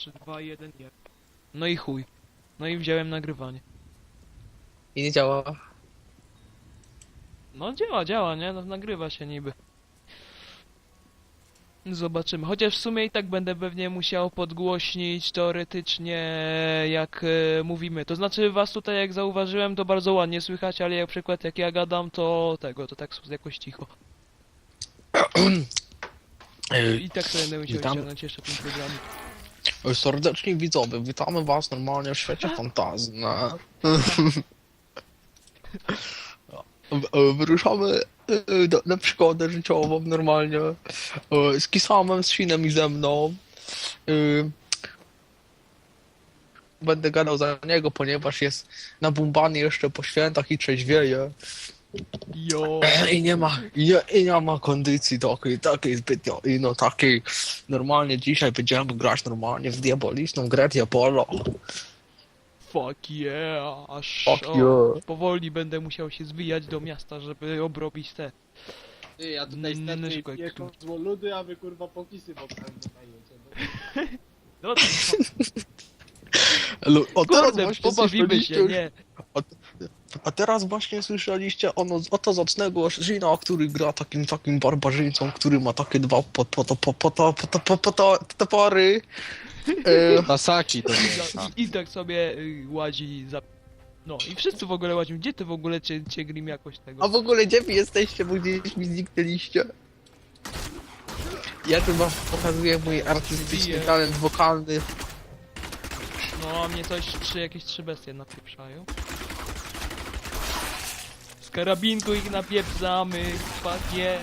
3, 2, 1, 1. No i chuj. No i wziąłem nagrywanie. I nie działa. No działa, nie? No, nagrywa się niby. Zobaczymy. Chociaż w sumie i tak będę pewnie musiał podgłośnić teoretycznie jak mówimy. To znaczy was tutaj jak zauważyłem to bardzo ładnie słychać, ale jak przykład jak ja gadam to to tak jakoś cicho. I tak sobie będę musiał Witam. ściągnąć jeszcze ten program. Serdeczni widzowie, witamy was normalnie w świecie fantazji. No. Wyruszamy na przygodę życiową normalnie. Z Kisamem, z Sinem i ze mną. Będę gadał za niego, ponieważ jest nabumbany jeszcze po świętach i trzeźwieje. Jo. I nie ma kondycji takiej zbytnio. I no takiej normalnie dzisiaj będziemy grać normalnie w diaboliczną grę Diabolo. Fuck yeah. Aż Fuck yeah. powoli będę musiał się zwijać do miasta, żeby obrobić te. Ty, ja tutaj Mm, sterczę szukaj, i jako złoludy, a wy kurwa pokisy wokalne dajecie. No to O teraz kurde, właśnie pobawimy się, słyszeliście, nie. a teraz właśnie słyszeliście oto zacnego Shina, który gra takim barbarzyńcą, który ma takie dwa topory. Tasaki to I tak sobie łazi za... No i wszyscy w ogóle łazimy. Gdzie ty w ogóle cię Grim jakoś tego? A w ogóle gdzie wy jesteście, bo gdzieś mi zniknęliście? Ja tu wam pokazuję mój artystyczny Bije. talent wokalny. No a mnie jakieś trzy bestie napieprzają. Z karabinku ich napieprzamy. Fuck yeah.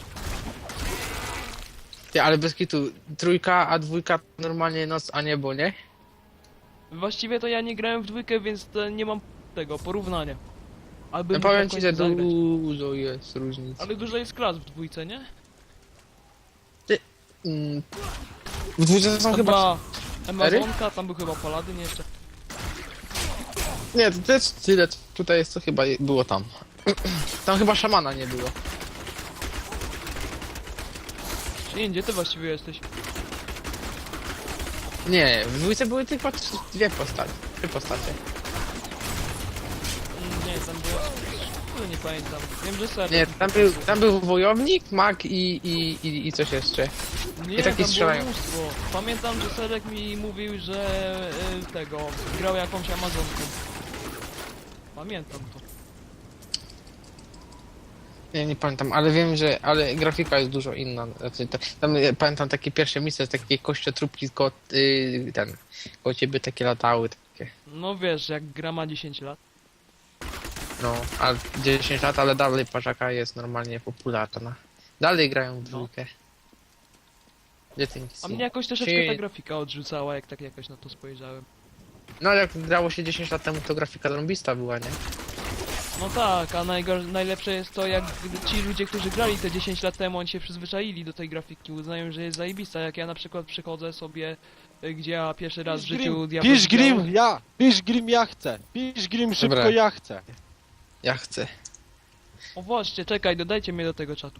Ty, ale bez kitu, trójka, a dwójka normalnie noc, a niebo, nie? Właściwie to ja nie grałem w dwójkę, więc to nie mam tego porównania. Albo Ja powiem ci, że dużo jest różnic. Ale dużo jest klas w dwójce, nie? W dwójce są Tam chyba... była Amazonka, tam był chyba Paladyn jeszcze. Nie, to jest tyle, tutaj jest co chyba było tam. Tam chyba szamana nie było. Czyli gdzie ty właściwie jesteś? Nie, w dwójce były tylko dwie postacie. Trzy postacie. Nie, tam było... Kurde, nie pamiętam. Wiem, że ser. Nie, tam był wojownik, mag i coś jeszcze. Nie, i taki tam było strzelają. mnóstwo. Pamiętam, że Serek mi mówił, że tego... grał jakąś Amazonką. Pamiętam to. Nie pamiętam, ale wiem, że... Ale grafika jest dużo inna. Znaczy, tam pamiętam takie pierwsze miejsce, takie kościotróbki koło ciebie takie latały, takie. No wiesz, jak gra ma 10 lat. No, a 10 lat, ale dalej parzaka jest normalnie popularna. Dalej grają w dwójkę. Gdzie ty nic A nie- mnie jakoś troszeczkę Czy- ta grafika odrzucała, jak tak jakoś na to spojrzałem. No jak grało się 10 lat temu, to grafika zarąbista była, nie? No tak, a najlepsze jest to, jak ci ludzie, którzy grali te 10 lat temu, oni się przyzwyczaili do tej grafiki, uznają, że jest zajebista. Jak ja na przykład przychodzę sobie, gdzie ja pierwszy raz w życiu Diablo Pisz grałem. Grim, pisz Grim, ja chcę. Pisz Grim, szybko, Dobra. ja chcę. Ja chcę. O właśnie, czekaj, dodajcie mnie do tego czatu.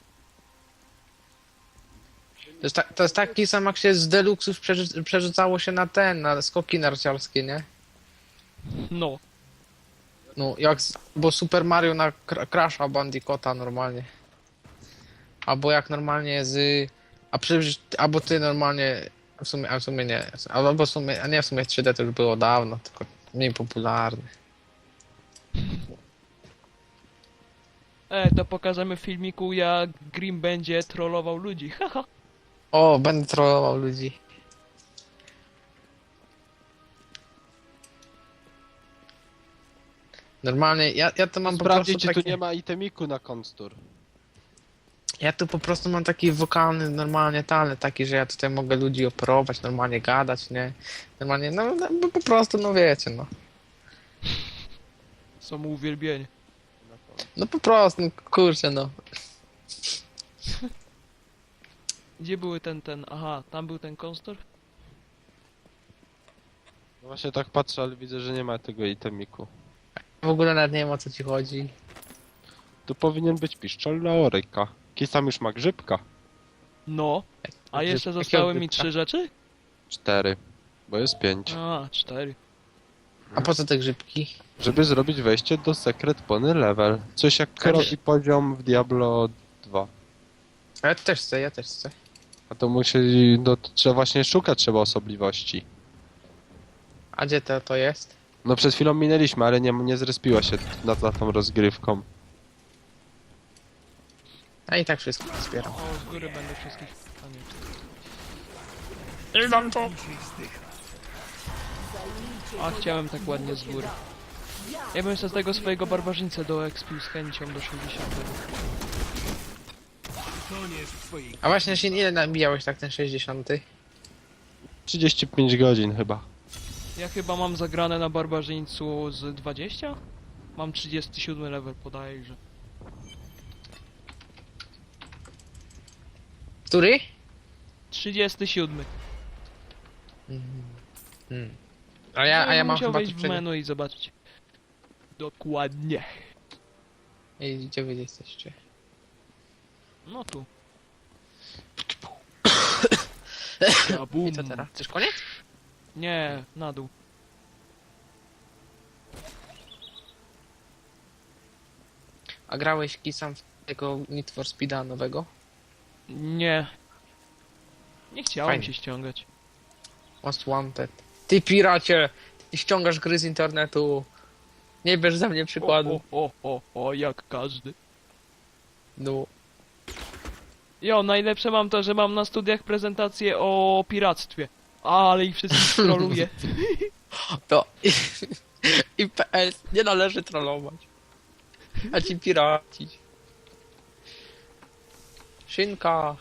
To jest taki sam jak się z deluxów przerzucało się na skoki narciarskie, nie? No. No, bo Super Mario na Crasha Bandicoota normalnie. Albo jak normalnie albo ty normalnie, a w sumie nie. Albo w sumie, a nie, w sumie 3D to już było dawno, tylko mniej popularne. To pokażemy w filmiku, jak Grim będzie trollował ludzi, haha. O, będę trollował ludzi. Normalnie, ja to mam po Sprawdzić, prostu czy tu taki, nie ma itemiku na konstur. ja tu po prostu mam taki wokalny, normalnie talent taki, że ja tutaj mogę ludzi operować, normalnie gadać, nie? Normalnie, no bo po prostu, no wiecie, no. Są mu uwielbieni. No po prostu, no, kurczę, no. Gdzie były aha, tam był ten konstor? No właśnie tak patrzę, ale widzę, że nie ma tego itemiku. W ogóle nawet nie wiem, o co ci chodzi. Tu powinien być piszczel Laoryka. Kisam już ma grzybka. No. A jeszcze Jakiego zostały mi grypka? 3 rzeczy? 4. Bo jest 5. A, 4. A po co te grzybki? Żeby zrobić wejście do Secret Pony Level. Coś jak robi poziom w Diablo 2. A ja też chcę, ja też chcę. A to musi... No to trzeba właśnie szukać trzeba osobliwości. A gdzie to jest? No przed chwilą minęliśmy, ale nie zrespiła się za tą rozgrywką. A i tak wszystko wspieram. O, z góry będę wszystkich... A nie. A chciałem tak ładnie z góry. Ja bym sobie z tego swojego barbarzyńcę do expił z chęcią do 60. A właśnie, Shin, ile nabijałeś tak ten 60? 35 godzin chyba. Ja chyba mam zagrane na barbarzyńcu z 20? Mam 37 level podajże. Który? 37. A ja mam musiał chyba wejść tu w przed... menu i zobaczyć. Dokładnie. Ej, gdzie wy jesteście? No tu. I co teraz? Też koniec? Nie, na dół. A grałeś kisam w tego Need for Speeda nowego? Nie. Nie chciałem Fajnie. się ściągać. Most Wanted. Ty piracie! Ty ściągasz gry z internetu. Nie bierz za mnie przykładu. O, jak każdy. No. Jo, najlepsze mam to, że mam na studiach prezentację o piractwie. Ale ich wszystkich troluję. To... I PS nie należy trollować. A ci piracić. Szynka.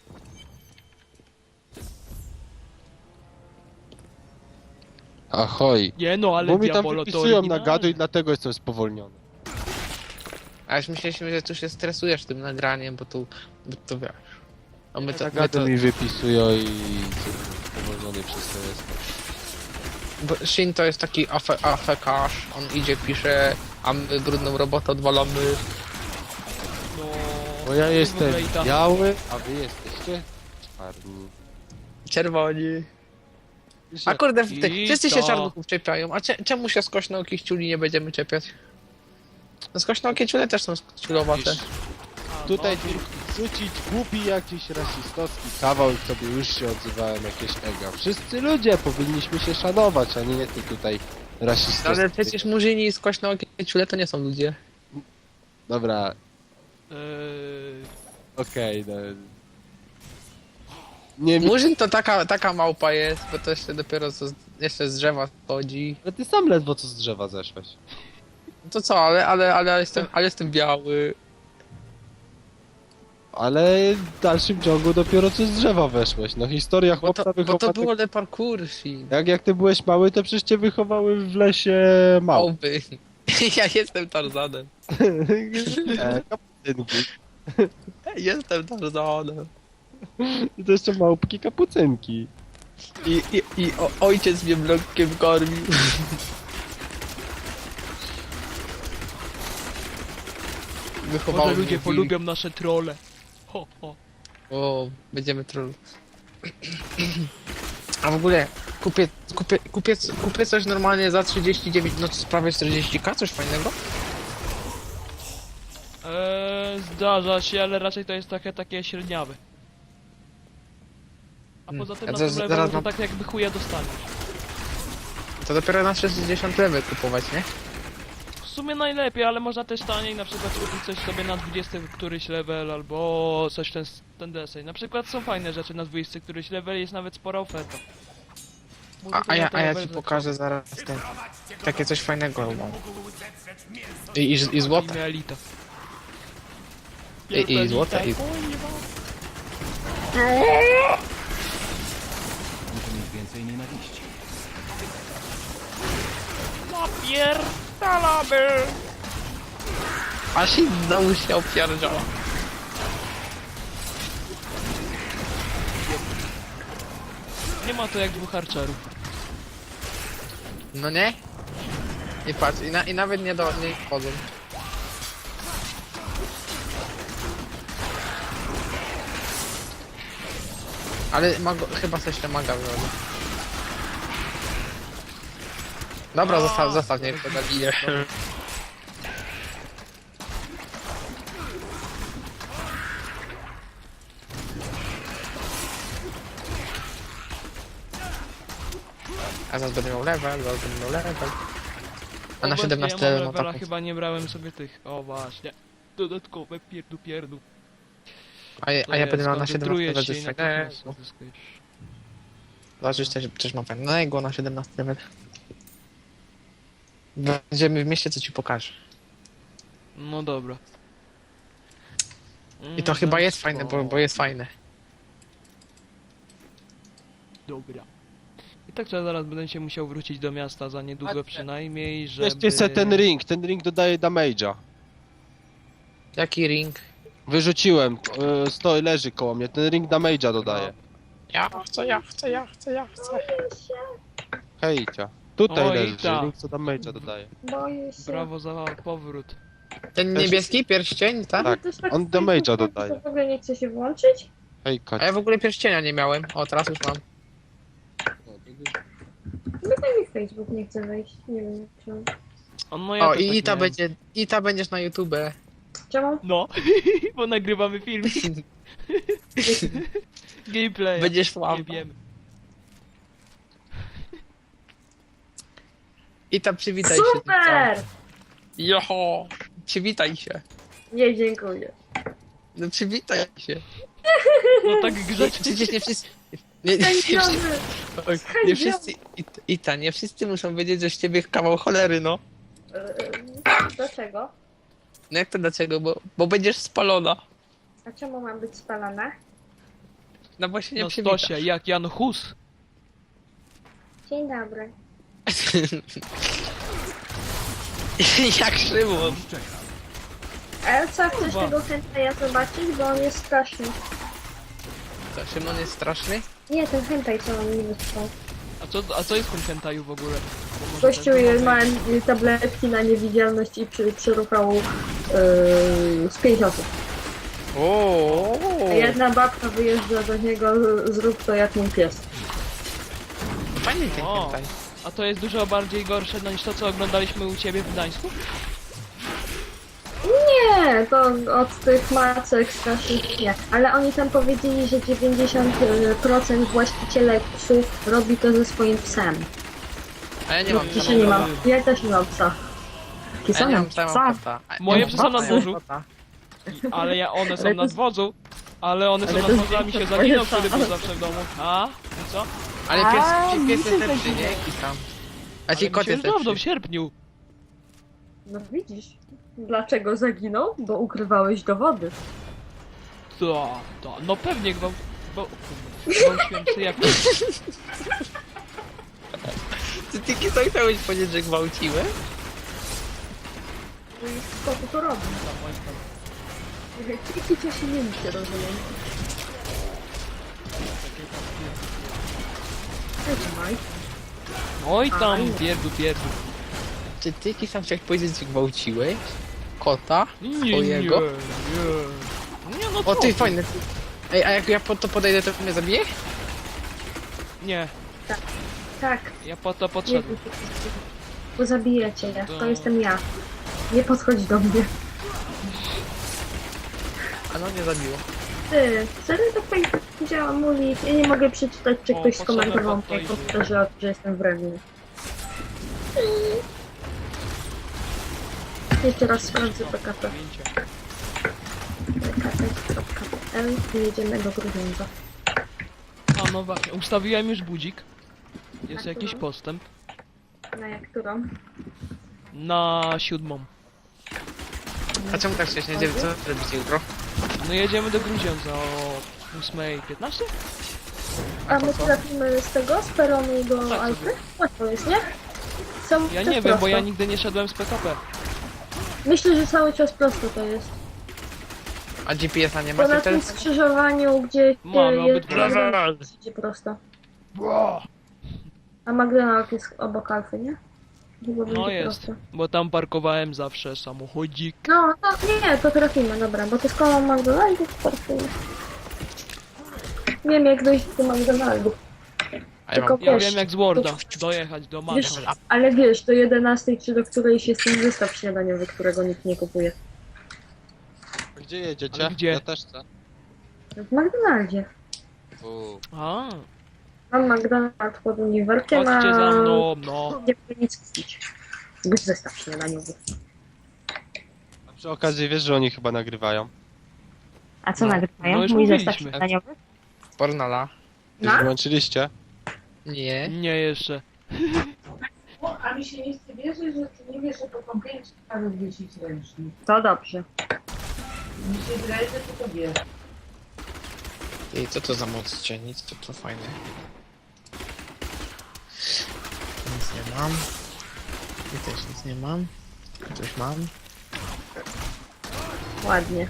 Ahoj. Nie no, ale Bo mi tam Diabolo to wypisują na oryginalne. gadu i dlatego jestem spowolniony. A już myśleliśmy, że tu się stresujesz tym nagraniem, bo to wiesz. A my to, Na my gadu to, mi wypisują i spowolniony przez to jestem. bo Shin to jest taki afekarz. On idzie, pisze, a my brudną robotę odwalamy. No... Bo ja jestem Wejta. biały, a wy jesteście czarni. Czerwoni. Wiesz, A jak- kurde, I wszyscy się to- czarnuchów czepiają. A czemu się skośnookich ciuli nie będziemy czepiać? No skośnookie ciule też są ciulowate. wiesz, Tutaj rzucić głupi jakiś rasistowski kawał i sobie już się odzywałem jakieś ego. Wszyscy ludzie powinniśmy się szanować, a nie ty tutaj rasistowski. Ale przecież murzyni i skośnookie ciule to nie są ludzie. Dobra, Eee, okej, no. Nie mi... Murzyn to taka małpa jest, bo to jeszcze dopiero jeszcze z drzewa chodzi. No ty sam ledwo co z drzewa zeszłeś. No to co, ale jestem biały. Ale w dalszym ciągu dopiero co z drzewa weszłeś. No historia Bo chłopca to wychowana... było le parkour, Shin. Jak ty byłeś mały, to przecież cię wychowały w lesie małpy. Małpy. Ja jestem Tarzanem. Kapucynki. Jestem Tarzanem. I to jeszcze małpki kapucynki. I ojciec mnie mlekiem karmił. Wychowało może mnie ludzie wilk. polubią nasze trolle. Ho, ho. O, będziemy troll. A w ogóle kupię coś normalnie za 39, no to prawie 40k, coś fajnego? Zdarza się, ale raczej to jest takie średniawe. A poza tym Ja na zaraz- tym levelu zaraz to mam- tak jakby chuja dostaniesz. To dopiero na 60 level kupować, nie? W sumie najlepiej, ale można też taniej na przykład kupić coś sobie na 20 któryś level albo coś ten deseń. Na przykład są fajne rzeczy na 20 któryś level, jest nawet spora oferta. Mówię to A na ja level ci za pokażę zaraz ten, takie coś fajnego mam. I złote. Inne elita. I złote. I... Napierdalamy! A się znowu się opierdziała. Nie ma to jak dwóch archerów. No nie? I patrz, i nawet nie wchodzą. Ale chyba coś te maga wyrobił. Dobra, zostaw, niech to zabije. A zaraz będę miał level, A na Obecnie 17 ja mam no levela, tak. chyba nie brałem sobie tych. O właśnie. Dodatkowe pierdu. A ja będę miał na 17 level się coś i fajnego. natychmiast uzyskujesz. Zobaczysz też mam fajnego na 17 level. Będziemy w mieście, co ci pokażę. No dobra. I to chyba jest fajne, bo jest fajne. Dobra. I tak to ja zaraz będę się musiał wrócić do miasta za niedługo przynajmniej, żeby... Weźcie se ten ring dodaje damage'a. Jaki ring? Wyrzuciłem, stoi, leży koło mnie, ten ring damage'a dodaje. Ja chcę. Hejcia. Tutaj Oj, leży, ta. ring co damage'a dodaje. Boję się. Brawo za powrót. Ten niebieski pierścień, tak? Tak, Też on w damage'a Facebooku dodaje. W ogóle nie chce się włączyć? Hejka. A ja w ogóle pierścienia nie miałem. O, teraz już mam. Chyba mi Facebook nie chce wejść. Nie wiem czemu. No ja O, też i tak miałem. ta będziesz na YouTube. Czemu? No, bo nagrywamy film. Gameplay. Będziesz Nie sławny. wiemy. I ta przywitaj się. Super! Joho! Przywitaj się. Nie, dziękuję. No przywitaj się. No tak grzecznie. Przecież nie wszyscy... Nie Sędziowy! wszyscy... Nie wszyscy muszą wiedzieć, że z ciebie kawał cholery, no. Dlaczego? No jak to dlaczego? Bo będziesz spalona. A czemu mam być spalona? No bo się nie No przywitasz. Stosia, jak Jan Hus. Dzień dobry. Jak Szymon. Ale co, chcesz Kurwa. tego hentai zobaczyć? Bo on jest straszny. Co, Szymon jest straszny? Nie, ten hentai, co on mi wysłał. A co jest w tym hentaju w ogóle? Bo może Gościu ten- ma tabletki na niewidzialność i przyruchał z 5 osób. O. A jedna babka wyjeżdża do niego, zrób to jak mój pies. Fajny ten O. hentai. A to jest dużo bardziej gorsze niż to, co oglądaliśmy u ciebie w Gdańsku? Nie, to od tych macek strasznych nie. Ale oni tam powiedzieli, że 90% właścicieli psów robi to ze swoim psem. A ja nie mam Ja nie mam. Ja też nie mam psa. Ja nie mam Psa. kota. Moje psy są na Ja mam dworzu. kota. Ale one są Ale na to- dworzu. Ale one są ale na to dworzu, a mi się jest zaginął, twoje który był psa. zawsze w domu. A? I co? Ale A, pies mi jest się lepszy, tak nie? Jaki tam. A Ale ci mi kot się już jest dawno, w lepszy. sierpniu. No widzisz. Dlaczego zaginął? Bo ukrywałeś dowody. No pewnie gwałciłem psy jak... Ty co chciałeś powiedzieć, że gwałciłem? No i co tu to robi? Jakie cię nie się rozumiem. Trzymaj. Oj tam, pierdu. Czy ty sam chciałeś powiedzieć, że gwałciłeś? Kota? Nie, Twojego? Nie, no O co ty, fajny. Ej, a jak ja po to podejdę, to mnie zabije? Nie, Tak. ja po to Nie, podszedłem. bo zabijecie je. To- To jestem ja. Nie podchodź do mnie. A no mnie zabiło. Ty, serio to fajnie działa Muli. Ja nie mogę przeczytać, czy O, ktoś potrzebne skomentował to mnie idzie. komputerze, że jestem wredny. Jeszcze raz sprawdzę PKP. Zdjęcia. PKP.pl i jedziemy do Grudziądza. A no właśnie, ustawiłem już budzik. Jest Na jakiś którą? postęp. Na jak którą? Na 7. A czemu tak wcześnie? Idziemy, co robicie jutro? No jedziemy do Grudziądza o 8:15? A my trafimy z tego, z peronu do Tak Alpy? sobie. Łatwo jest, nie? Ja nie wiem, bo ja nigdy nie szedłem z PKP. Myślę, że cały czas prosto to jest. A GPS-a nie Bo macie na tym teraz? skrzyżowaniu, gdzie Mamy jest obydwa. idzie prosto. A McDonald's jest obok Alfy, nie? Chyba No będzie jest, prosto. bo tam parkowałem zawsze samochodzik. No, nie, to trafimy, dobra, bo to jest koło McDonald's, to trafimy. Wiem jak dojść do McDonald's. A ja Tylko mam... Ja Wiesz, wiem jak z Worda dojechać do Wiesz, Maga. ale wiesz, do 11 czy do którejś jest ten zestaw śniadaniowy, którego nikt nie kupuje. Gdzie jedziecie? Ale gdzie? Ja też chcę. W McDonaldzie. A, Mam McDonald's pod uniwerkiem, chodźcie a za mną, no. nie mogę nic kupić. Bez zestaw śniadaniowy. A przy okazji wiesz, że oni chyba nagrywają. A co No, nagrywają? no już Mój zestaw mówiliśmy. śniadaniowy? Pornala. Już No? wyłączyliście? Nie. Nie jeszcze. O, a mi się nie chce wierzyć, że ty nie wiesz, że po kąpieli trzeba rozwiesić ręcznik. To dobrze. Mi się wydaje, że ty to wiesz. I co to za moc nic, to fajne. Nic nie mam. I też nic nie mam. Coś mam. Ładnie.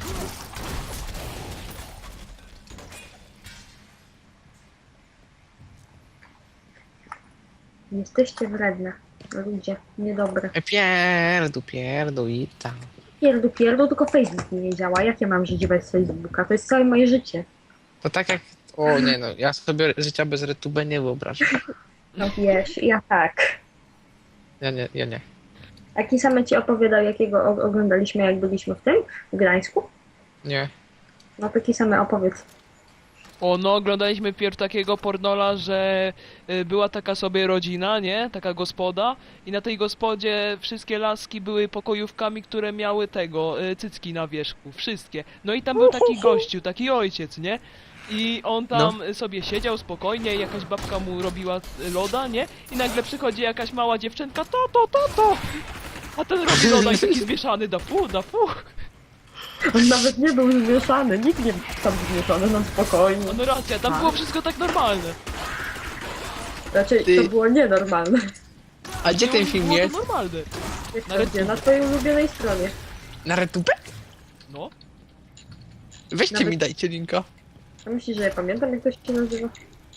Jesteście wredne. Ludzie, niedobre. Pierdu i tam. Pierdu, tylko Facebook mi nie działa. Jak ja mam żyć bez Facebooka? To jest całe moje życie. To tak jak... O nie no, ja sobie życia bez RedTube nie wyobrażam. No wiesz, ja tak. Ja nie. Aki same ci opowiadał, jakiego oglądaliśmy, jak byliśmy w tym, w Gdańsku? Nie. No taki same opowiedz. O, no, oglądaliśmy pierw takiego pornola, że była taka sobie rodzina, nie? Taka gospoda i na tej gospodzie wszystkie laski były pokojówkami, które miały tego, cycki na wierzchu. Wszystkie. No i tam był taki gościu, taki ojciec, nie? I on tam sobie siedział spokojnie, jakaś babka mu robiła loda, nie? I nagle przychodzi jakaś mała dziewczynka, to. A ten robi loda i taki zmieszany, da fu. On nawet nie był zmieszany, nikt nie był tam zmieszany, no spokojnie. No racja, tam było wszystko tak normalne. Raczej Ty- to było nienormalne. A gdzie ten film Było to jest? normalne. Jak Na to gdzie? RedTube. Na twojej ulubionej stronie. Na RedTube? No. Weźcie Nawet- mi, dajcie linka. A myślisz, że ja pamiętam, jak to się nazywa?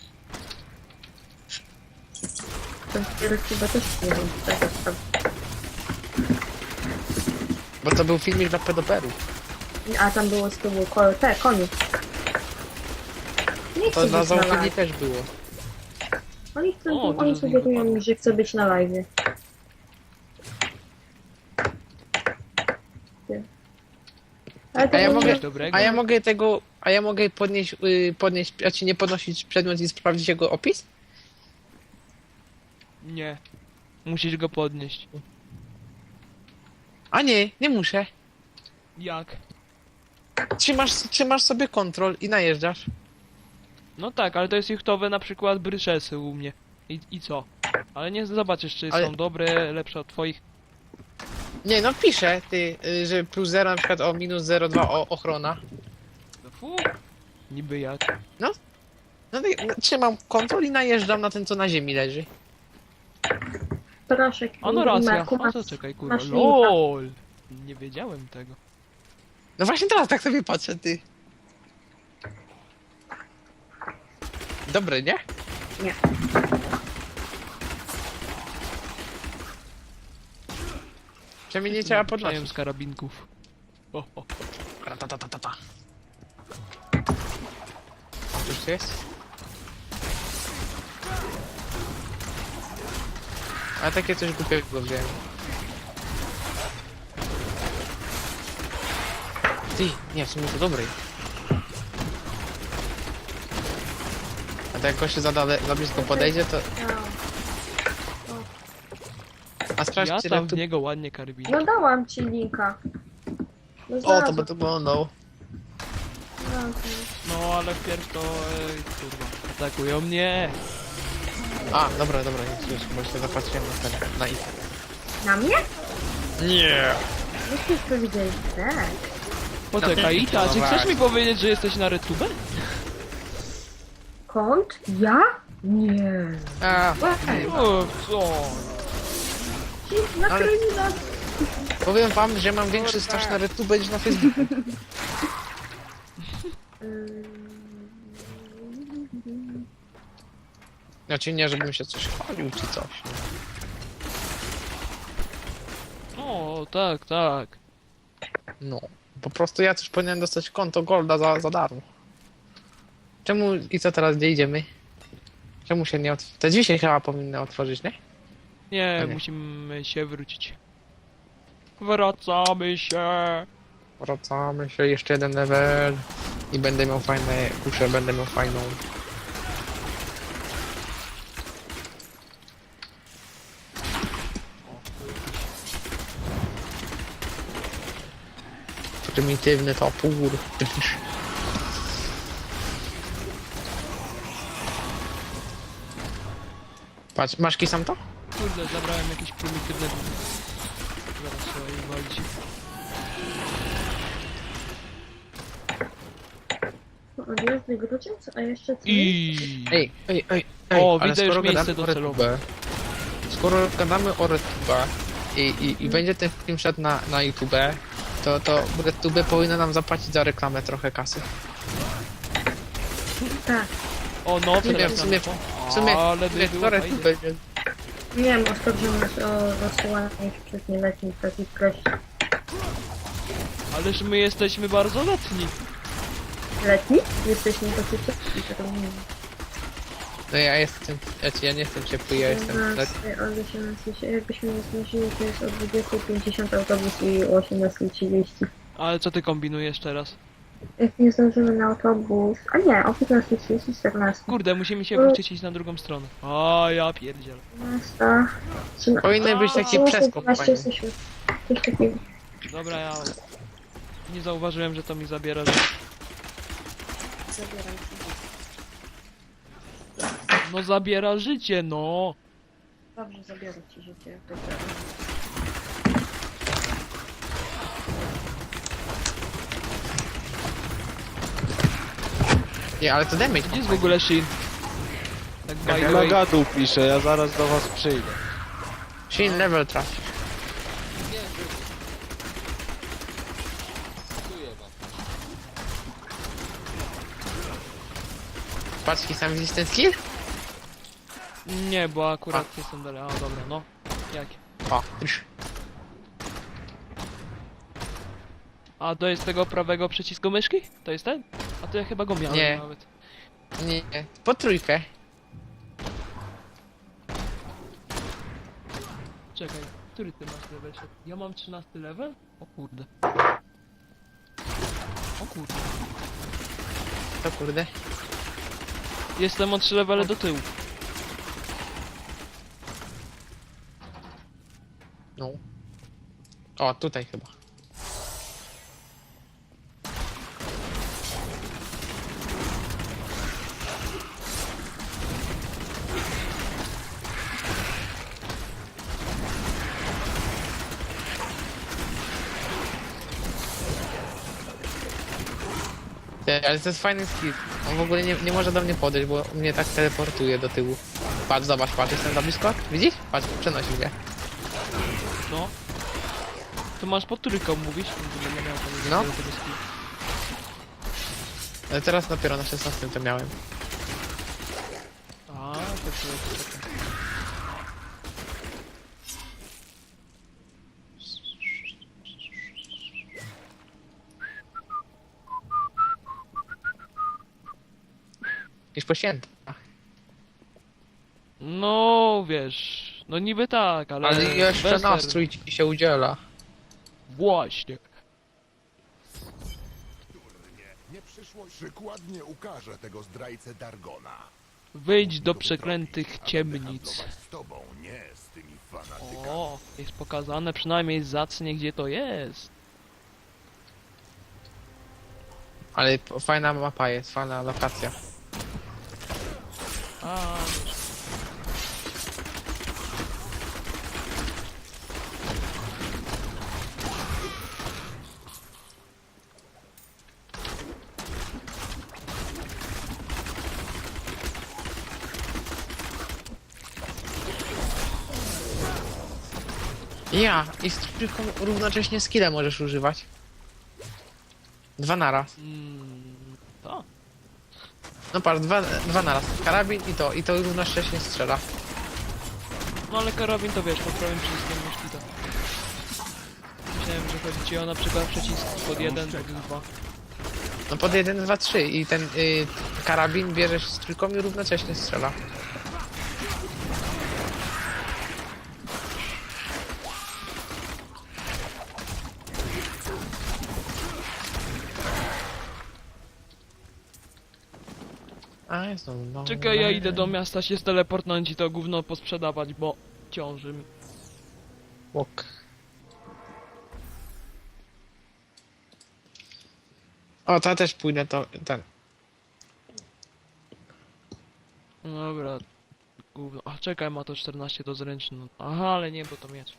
Ten chyba też nie wiem, taka sprawa. Bo to był filmik dla pedoperów. A tam było z tyłu te konie. Nie To chcę dla być na założeni live. też było. Oni, chcą, O, dużo oni z nich sugerują wypadło. mi, że chcę być na live. Ale to A ja było mogę- Coś dobrego. A ja mogę podnieść, a ci nie podnosić przedmiot i sprawdzić jego opis? Nie. Musisz go podnieść. A nie muszę. Jak? Trzymasz sobie kontrol i najeżdżasz. No tak, ale to jest juchtowe na przykład bryszesy u mnie. I co? Ale nie zobaczysz, czy Ale- są dobre, lepsze od twoich. Nie no, pisze że plus 0 na przykład o minus 0,2 ochrona. No fu. Niby jak. No trzymam kontrol i najeżdżam na ten, co na ziemi leży. proszę. A no racja. Marku, A to czekaj, kurwa. masz linka. LOL. Nie wiedziałem tego. No właśnie teraz tak sobie patrzę, ty. Dobre, nie? Nie. Przynajmniej nie trzeba Przejem podnosić. z karabinków. O. Ta. Już jest? A takie coś głupiego wziąłem. Ty, nie, w sumie to dobry. A to jak gość się za blisko podejdzie, to... A sprawdź, Ja czy tam w tu... niego ładnie karabinki. No dałam ci linka. No O, to znalazłam. by to wyglądał. No ale wpierw to... kurwa. Atakują mnie. A, dobra, już, bo się zapatrzyłem na ich. Na mnie? Nie! Myśmy już powiedzieli, tak. Poczekaj, Ita, czy chcesz mi powiedzieć, że jesteś na RedTube? Kąt? Ja? Nie. A, O, co? Nakryli nas. powiem wam, że mam większy staż na RedTube niż na Facebooku. Znaczy nie, żebym się coś chwalił czy coś. O, tak. No. Po prostu ja też powinienem dostać konto Golda za darmo. Czemu i co teraz, gdzie idziemy? Czemu się nie otworzy? Te drzwi się chyba powinny otworzyć, nie? Nie, Nie. musimy się wrócić. Wracamy się. Wracamy się, jeszcze jeden level. I będę miał fajne kusze, będę miał fajną. Prymitywny topór. Patrz, masz kisam to? Kurde, zabrałem jakieś prymitywne... Zaraz trzeba je walić. Odjazdy grudziąc, a jeszcze co? I... Ej, O, ale widzę już skoro miejsce gadamy o docelowe. RedTube, skoro gadamy o RedTube i będzie ten film szedł na YouTube, to RedTube powinno nam zapłacić za reklamę trochę kasy. Tak. O, no, W sumie, teraz w sumie, ale by było RedTube fajnie. będzie... Nie wiem, oskarżył nas o rozsyłanie przez nieletnich takich treści. Ależ my jesteśmy bardzo letni. Letni? Jesteśmy tacy ciepli, to nie wiem. No ja jestem, ja nie jestem ciepły, ja jestem... 11, od 18, jakbyśmy nie znosili, to jest o 20:50 autobus i o 18:30. Ale co ty kombinujesz teraz? Jak nie zdążymy na autobus... A nie, o 15:30, 14. Kurde, musimy się wrócić iść na drugą stronę. A ja pierdzielę. 13. Powinien być taki przeskok, 12 fajny. jesteśmy. Coś takiego. Dobra, ja... Nie zauważyłem, że to mi zabiera... Zabieram ci. No zabiera życie, no! Dobrze, zabiorę ci życie. Jak to tak. Nie, ale to damage. Gdzie jest w ogóle Shin? Tak by the Na way. gadu piszę, ja zaraz do was przyjdę. Shin level trafi. Patrz, sam widzisz ten skill? Nie, bo akurat jestem dalej. A dobra, no. Jakie? O, już. A to jest tego prawego przycisku myszki? To jest ten? A to ja chyba go miałem Nie. nawet. Nie, po trójkę. Czekaj, który ty masz level? Ja mam 13 level? O kurde. O kurde. To kurde. Jestem o 3 levele do tyłu. No. O, tutaj chyba. Ale to jest fajny skill. On w ogóle nie może do mnie podejść, bo mnie tak teleportuje do tyłu. Patrz, zobacz, patrz, jestem za blisko. Widzisz? Patrz, przenosi mnie. No. To masz pod trójką mówić? Nie miałem tam No. tego skill. Ale teraz dopiero na 16 to miałem. A, to czekaj. Już po świętach. No, wiesz... No niby tak, ale... Ale jeszcze bez nastrój ci się udziela. Właśnie. Nie przyszłość przykładnie ukaże tego zdrajcę Dargona. Wyjdź do przeklętych ciemnic. Z tobą, nie z tymi fanatykami. O, jest pokazane przynajmniej zacnie, gdzie to jest. Ale fajna mapa jest, fajna lokacja. A, Ja, i z trójką równocześnie skilla możesz używać. Dwa naraz. to. No patrz, dwa naraz. Karabin i to równocześnie strzela. No ale karabin to wiesz, pod prawym przyciskiem myszki to. Myślałem, że chodzi ci o na przykład przycisk pod 1, pod 2. No pod 1, 2, 3 i ten karabin bierzesz z trójką i równocześnie strzela. A jest no. Czekaj, ja idę do miasta się steleportnąć i to gówno posprzedawać, bo ciąży mi. Łok. O, to ja też pójdę to ten. Dobra. Gówno. A czekaj, ma to 14 do zręczny. Aha, ale nie, bo to miecz.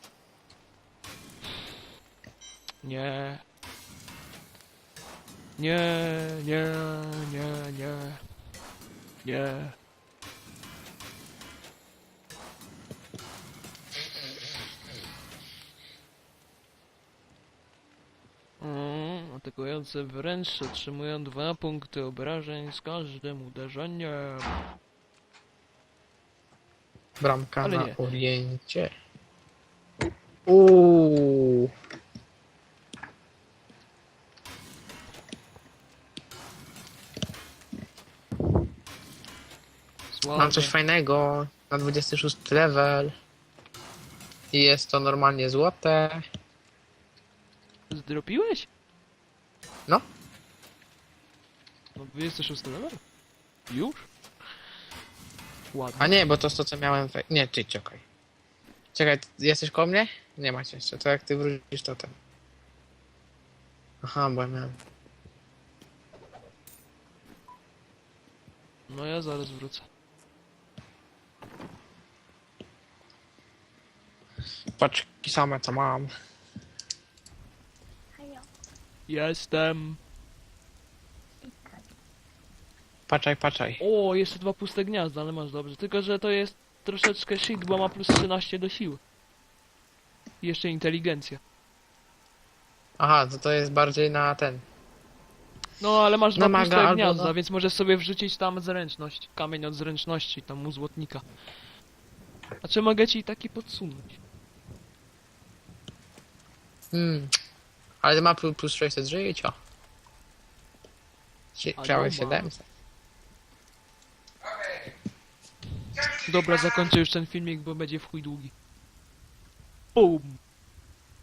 Nie. Nie, nie, nie, nie. Nie. Atakujące wręcz otrzymują 2 punkty obrażeń z każdym uderzeniem. Bramka Ale na nie. Oriencie. Uuu. Mam coś Słabe. fajnego na 26 level. I jest to normalnie złote. Zdropiłeś? No. No 26 level? Już? Ładnie. A nie, bo to jest to co miałem. Nie, ty czekaj. Czekaj, jesteś koło mnie? Nie macie jeszcze. To jak ty wrócisz to ten. Aha, bo ja miałem. No ja zaraz wrócę. Paczki same co mam. Jestem. Patrzaj. O, jeszcze 2 puste gniazda, ale masz dobrze. Tylko, że to jest troszeczkę shit, bo ma plus 13 do siły. I jeszcze inteligencja. Aha, to jest bardziej na ten. No, ale masz 2 Na puste maga albo gniazda, na- więc możesz sobie wrzucić tam zręczność. Kamień od zręczności, tam u złotnika. A czy mogę ci taki podsunąć? Ale ma plus 600 życia. A Chciałeś dobra. 700. Dobra, zakończę już ten filmik, bo będzie w chuj długi. Bum!